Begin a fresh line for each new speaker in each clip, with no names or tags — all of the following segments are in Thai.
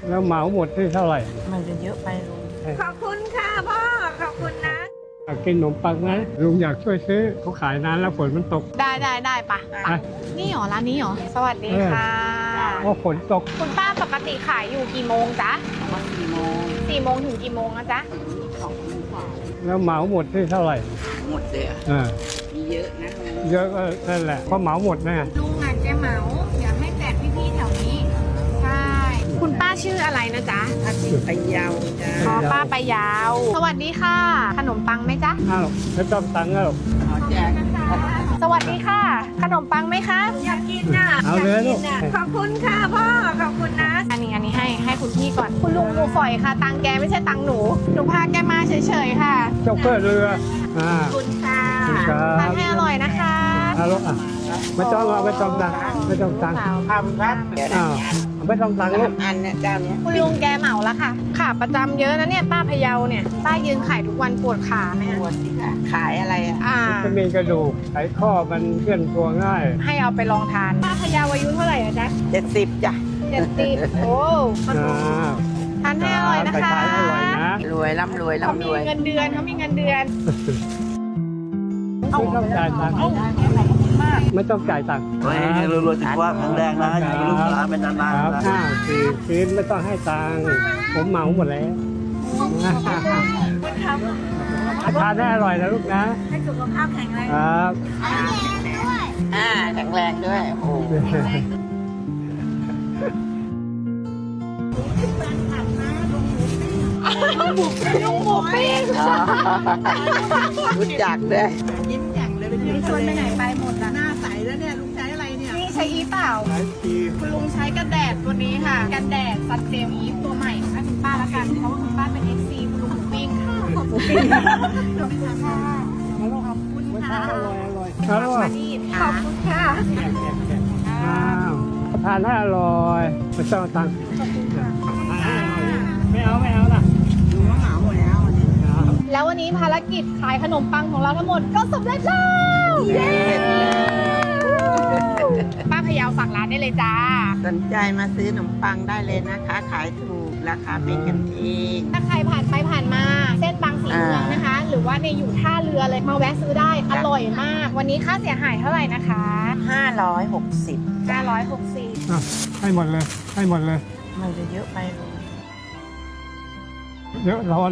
แล้วเหมาหมดที่เท่าไหร่
มันจะเยอะไปลุง
ขอบคุณค่ะพ่อ ขอบคุณนะ
อยากกินขนมปังไหมลุงอยากช่วยซื้อเขาขายนานแล้วฝนมันตก
ได้ปะ
ไป
นี่หรอร้านนี้หรอ สวัสดีค่ะ
เพราะฝนตก
คุณป้าปกติขายอยู่กี่โมงจ๊ะ
มา4 โมง
4 โมงถึงกี่โมงนะจ๊ะ
2 โมงกว่า
แล้วเหมาหมดที่เท่าไหร่
หมดเลยอะ
อ่า
มีเยอะนะลุง
เยอะก็นั่นแหละเพราะเหมาหมดนะ
ลุงอ่ะแกเหมาอยากให้แจกพี่ๆแถวนี้ ใช่ คุณป้าชื่ออะไรนะจ๊ะ
ถ้าที่พะเยาจ้า
อ๋อป้าไปยาว สวัสดีค่ะ ขนมปังไหมจ๊ะ
อ้าวไม่ต้องตังค์แล้ว
ขอแจก
สวัสดีค่ะ ขนมปังไหมคะ
อยากกินน่ะ
เอาเลยลูก
ขอบคุณค่ะพ่อ ขอบคุณนะ
อันนี้ให้คุณพี่ก่อน คุณลุงหนูฝอยค่ะ ตังแกไม่ใช่ตังหนู หนูพาแกมาเฉยๆค่ะ
โชเฟอร์เรืออ่า
ขอบคุณค่ะ
ขอบคุณครั
ทาน
บ
ให้อร่อยนะคะ
เอาลูกอ่ะไม่ต้องเอาไม่ต้องตังค์ไม่ต้องตังค์
ทำครับเดี๋ยวนะ
อ้าวไม่ต้องตังค์ลูก
อันเนี่ยเจ้าเนี้ย
คุณลุงแกเหมาแล้วค่ะขาประจำเยอะนะเนี่ยป้าพะเยาเนี่ยป้ายืนขายทุกวันปวดขาไหม
ปวดสิค่ะขายอะไรอ่ะ
จะมีกระดูกไขข้อมันเคลื่อนตัวง่าย
ให้เอาไปลองทานป้าพะเยาอายุเท่าไหร่อะจ๊ะ
70จ้ะ
70โอ้
อ่า
ทานให้อร่อยนะคะ
ขายอร่อยนะ
รวยร่ำรวย
เขา
ร่ำ
มี
รวย
เงินเดือนเขามีเงินเดือน
ไม่ต้องจ่ายตังค์ไม่ต้องจ่ายตังค์
ขอให้รวยๆสุขภาพแข็งแรงนะอยู่กับลูกหลานเป็นนาน
ครับ
ๆนะ
4 ชิ้นไม่ต้องให้ตังค์ผมเหมาหมดแล้วทานได้อร่อยนะลูกนะ
ให้สุขภาพแข็งแรง
ครับ
แข็งแรงด้วยโอ้โห
ลุงหมูปิ้ง
รู้จักด้วย
ยิ้มแย้มเลย
มีชวนไปไหนไปหมดอะ
หน้าใสแล้วเนี่ยลุงใช้อะไรเนี่ย
นี่ใช้อีเปล่า
ขายที
คุณลุงใช้กันแดดตัวนี้ค่ะ กันแดดซันเจลอีฟตัวใหม่ให้คุณป้าละกัน เพราะว่าคุณป้าเป็น FC คุณลุงหมูปิ้งค่ะขอบคุณค่ะขอบคุณ
ไม่
ค่ะ
ทานอร่อยอร่อยอร่อย
มาดี
ขอบคุณค่ะ
อ้าวทานให้อร่อยไม่ต้องเอาตังค์ไม่เอานะ
ดูว่าเหมาหมดแล้ววันนี้
แล้ววันนี้ภารกิจขายขนมปังของเราทั้งหมดก็สำเร็จแล้วเย้ป้าพะเยาฝากร้านได้เลยจ้า
สนใจมาซื้อขนมปังได้เลยนะคะ ขายถูกราคาเป็นกันเอง
ถ้าใครผ่านไปผ่านมา เส้นบางสีเมืองนะคะ หรือว่าในอยู่ท่าเรือเลยมาแวะซื้อได้อร่อยมาก วันนี้ค่าเสียหายเท่าไหร่นะคะ
560
560
อ่ะให้หมดเลยให้หมดเลย
มันจะเยอะไปลุง
เยอะร้อน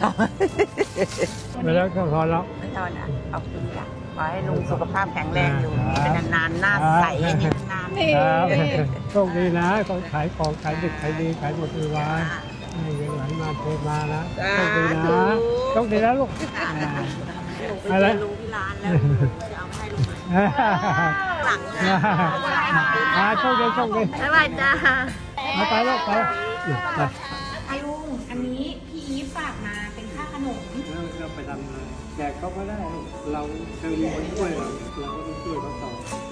ไปแล้วก็ร้อนแล้ว
ไม่เท่านะขอบคุณค่ะขอให้ลุงสุขภาพแข็งแรงอยู่นี่เป็นนานๆหน้าใสให้นานๆ
นี่
ครับโชคดีนะของขายของขายดึกขายดีขายหมดทุกวันให้เงินไหลมาเทมานะโชคดีนะโชคดีนะลูกอะไร
ลุงที่ร้านแล้วจะเอาไปให้ลุงหลัง
โชคดีโชคดี
บ๊ายบายจ้า
เอาไปลูกไป
อาลุงอันนี้พี่อีฟฝากมาเป็นค่าขนม
เราไปทำแจกเขาก็ได้เราเคยมีคนช่วยเราก็ต้องช่วยเขาต่อ